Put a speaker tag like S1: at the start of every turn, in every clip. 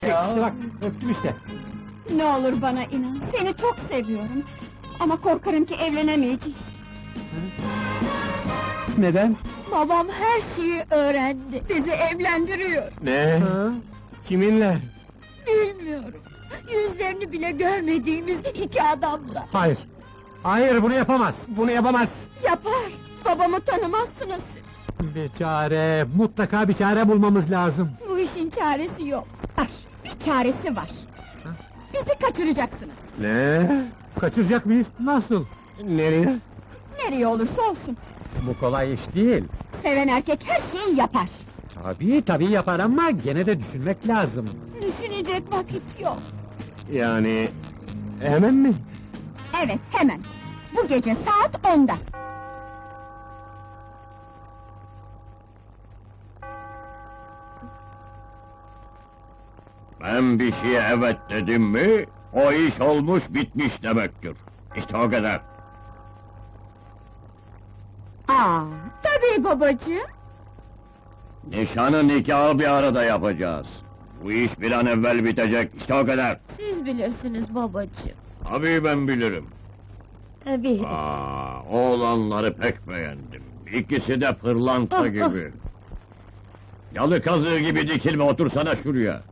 S1: İşte bak, öptüm işte.
S2: Ne olur bana inan, seni çok seviyorum. Ama korkarım ki evlenemeyeceğiz.
S1: Neden?
S2: Babam her şeyi öğrendi, bizi evlendiriyor.
S1: Ne? Kiminle?
S2: Bilmiyorum, yüzlerini bile görmediğimiz iki adamla.
S1: Hayır. Hayır, bunu yapamaz. Bunu yapamaz.
S2: Yapar, babamı tanımazsınız siz.
S1: Bir çare, mutlaka bir çare bulmamız lazım.
S2: Bu işin çaresi yok. Var, bir çaresi var. Bizi kaçıracaksınız.
S1: Ne? Kaçıracak mıyız? Nasıl? Nereye?
S2: Nereye olursa olsun.
S1: Bu kolay iş değil.
S2: Seven erkek her şeyi yapar.
S1: Tabii yapar ama gene de düşünmek lazım.
S2: Düşünecek vakit yok.
S1: Yani... Hemen mi?
S2: Evet, hemen. Bu gece saat 10'da.
S3: Ben bir şeye evet dedim mi, o iş olmuş bitmiş demektir. İşte o kadar.
S2: Tabii babacığım.
S3: Nişanı nikahı bir arada yapacağız. Bu iş bir an evvel bitecek, işte o kadar.
S2: Siz bilirsiniz babacığım.
S3: Tabii ben bilirim.
S2: Tabii.
S3: Oğlanları pek beğendim. İkisi de pırlanta gibi. Yalı kazığı gibi dikilme, otursana şuraya.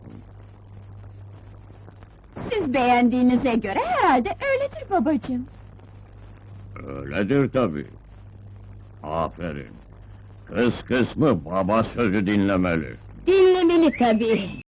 S2: Siz beğendiğinize göre herhalde öyledir babacığım.
S3: Öyledir tabii. Aferin. Kız kısmı baba sözü dinlemeli.
S2: Dinlemeli tabii.